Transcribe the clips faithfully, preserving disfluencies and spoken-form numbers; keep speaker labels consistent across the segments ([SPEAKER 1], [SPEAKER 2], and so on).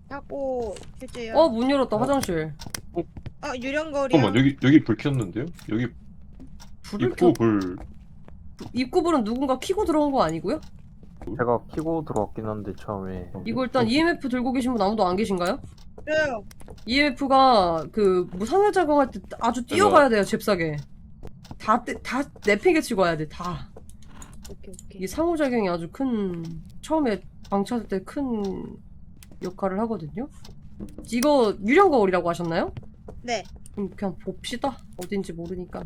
[SPEAKER 1] 하고 해줘요.
[SPEAKER 2] 어, 문 열었다. 화장실.
[SPEAKER 1] 아 유령거리요.
[SPEAKER 3] 잠깐만 여기 여기 불 켰는데요? 여기
[SPEAKER 2] 불을
[SPEAKER 3] 입구
[SPEAKER 2] 켜.
[SPEAKER 3] 불
[SPEAKER 2] 입구 불은 누군가 켜고 들어온 거 아니고요?
[SPEAKER 4] 제가 키고 들어왔긴 한데 처음에.
[SPEAKER 2] 이거 일단 이엠에프 들고 계신 분 아무도 안 계신가요?
[SPEAKER 1] 그래요.
[SPEAKER 2] 이엠에프가 그 무상호작용할 때 아주 뛰어가야 돼요. 잽싸게. 다 다 내팽개 치고 와야 돼. 다.
[SPEAKER 1] 오케이 오케이.
[SPEAKER 2] 이 상호작용이 아주 큰 처음에 방치할 때 큰 역할을 하거든요. 이거 유령 거울이라고 하셨나요?
[SPEAKER 1] 네.
[SPEAKER 2] 그럼 그냥 봅시다. 어딘지 모르니까.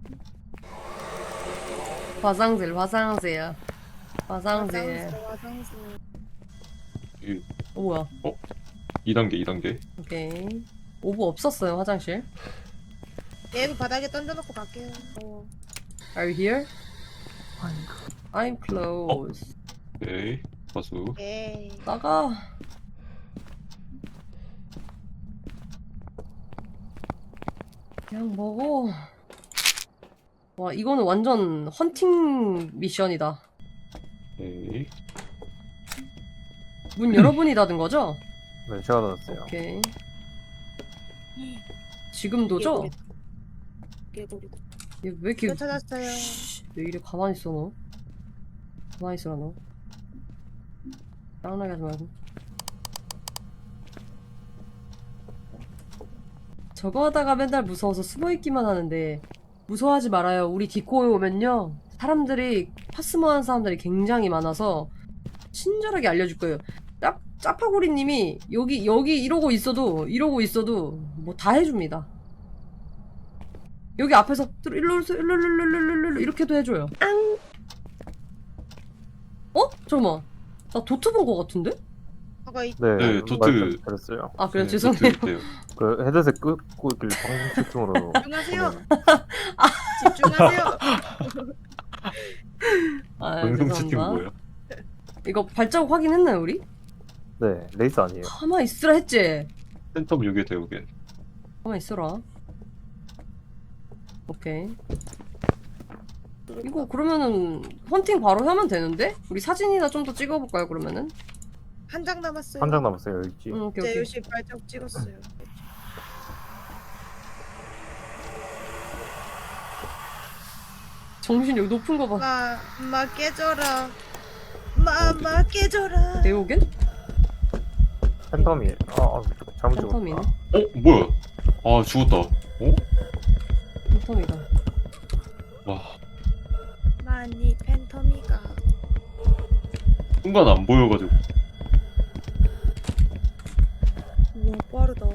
[SPEAKER 2] 화장실, 화장실, 화장실.
[SPEAKER 1] 화장실 화장실.
[SPEAKER 3] 이
[SPEAKER 2] 어, 뭐야?
[SPEAKER 3] 이 단계 이 단계.
[SPEAKER 2] 오케이. 오브 없었어요, 화장실.
[SPEAKER 1] 얘도 바닥에 던져놓고 갈게요. 어.
[SPEAKER 2] Are you here? I'm close.
[SPEAKER 3] 오케이. 가수.
[SPEAKER 1] 예.
[SPEAKER 2] 나가. 그냥 먹어. 와, 이거는 완전 헌팅 미션이다.
[SPEAKER 3] 오케이.
[SPEAKER 2] 문 여러분이 닫은 거죠?
[SPEAKER 4] 네, 제가 닫았어요.
[SPEAKER 2] 오케이. 지금도죠?
[SPEAKER 1] 개구리다.
[SPEAKER 2] 얘 왜 이렇게
[SPEAKER 1] 저 찾았어요.
[SPEAKER 2] 씨, 왜 이래 가만히 있어 너? 가만히 있어라 너. 짱나게 하지 말고. 저거 하다가 맨날 무서워서 숨어있기만 하는데 무서워하지 말아요. 우리 디코에 오면요 사람들이 파스모한 사람들이 굉장히 많아서 친절하게 알려줄 거예요. 짭, 짜파구리님이 여기 여기 이러고 있어도 이러고 있어도 뭐 다 해줍니다. 여기 앞에서 들어 일로 오세요 일로 일로 일로 일로 일로 이렇게도 해줘요. 앙. 어? 잠깐만. 나 도트 본 거 같은데?
[SPEAKER 1] 아까 이
[SPEAKER 4] 네,
[SPEAKER 3] 네, 도트.
[SPEAKER 4] 그랬어요.
[SPEAKER 2] 아 그래
[SPEAKER 3] 네,
[SPEAKER 2] 죄송해요.
[SPEAKER 3] 도트 있대요.
[SPEAKER 4] 그 헤드셋 끄고 있길래 방송 채팅으로.
[SPEAKER 1] 집중하세요.
[SPEAKER 4] 보내는.
[SPEAKER 1] 집중하세요.
[SPEAKER 2] 아,
[SPEAKER 3] 방송 채팅
[SPEAKER 2] 죄송합니다.
[SPEAKER 3] 뭐야?
[SPEAKER 2] 이거 발자국 확인했나요 우리?
[SPEAKER 4] 네, 레이스 아니에요.
[SPEAKER 2] 가만 있으라 했지.
[SPEAKER 3] 센텀 요게 되오게.
[SPEAKER 2] 가만 있어라. 오케이. 이거 그러면은 헌팅 바로 하면 되는데? 우리 사진이나 좀 더 찍어볼까요 그러면은?
[SPEAKER 1] 한 장 남았어요.
[SPEAKER 4] 한 장 남았어요, 여기 있지.
[SPEAKER 2] 응, 오케이
[SPEAKER 1] 네,
[SPEAKER 2] 오케이.
[SPEAKER 1] 열심히 발자국 찍었어요.
[SPEAKER 2] 정신 여기 높은 거 봐.
[SPEAKER 1] 마, 마 깨져라. 마, 마 깨져라.
[SPEAKER 2] 에오겐?
[SPEAKER 4] 팬텀이에요. 아, 아 잘못
[SPEAKER 2] 팬텀이네.
[SPEAKER 4] 찍었다.
[SPEAKER 3] 어 뭐야? 아 죽었다. 어?
[SPEAKER 2] 팬텀이다.
[SPEAKER 3] 와
[SPEAKER 1] 많이 팬텀이가.
[SPEAKER 3] 순간 안 보여가지고.
[SPEAKER 1] 우와 빠르다.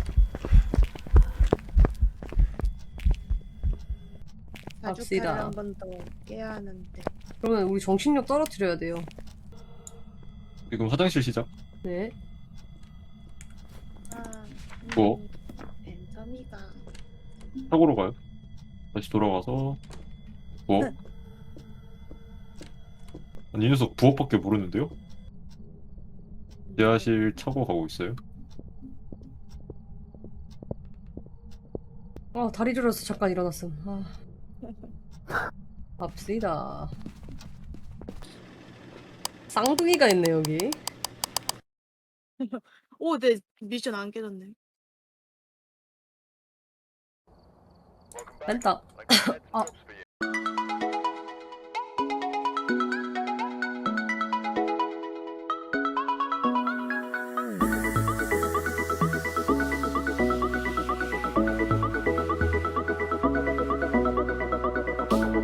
[SPEAKER 2] 갑시다.
[SPEAKER 1] 사주파를 한 번 더 깨야 하는데.
[SPEAKER 2] 그러면 우리 정신력 떨어뜨려야 돼요.
[SPEAKER 3] 지금 화장실 시작.
[SPEAKER 2] 네.
[SPEAKER 1] 아, 음,
[SPEAKER 3] 뭐?
[SPEAKER 1] 팬텀이가.
[SPEAKER 3] 사고로 가요. 다시 돌아가서 부엌. 아니 이 녀석 부엌밖에 모르는데요? 지하실 차고 가고 있어요.
[SPEAKER 2] 아 다리 저려서 잠깐 일어났음. 아. 갑시다. 쌍둥이가 있네 여기.
[SPEAKER 1] 오, 내 미션 안 깨졌네.
[SPEAKER 2] 뺐다. 아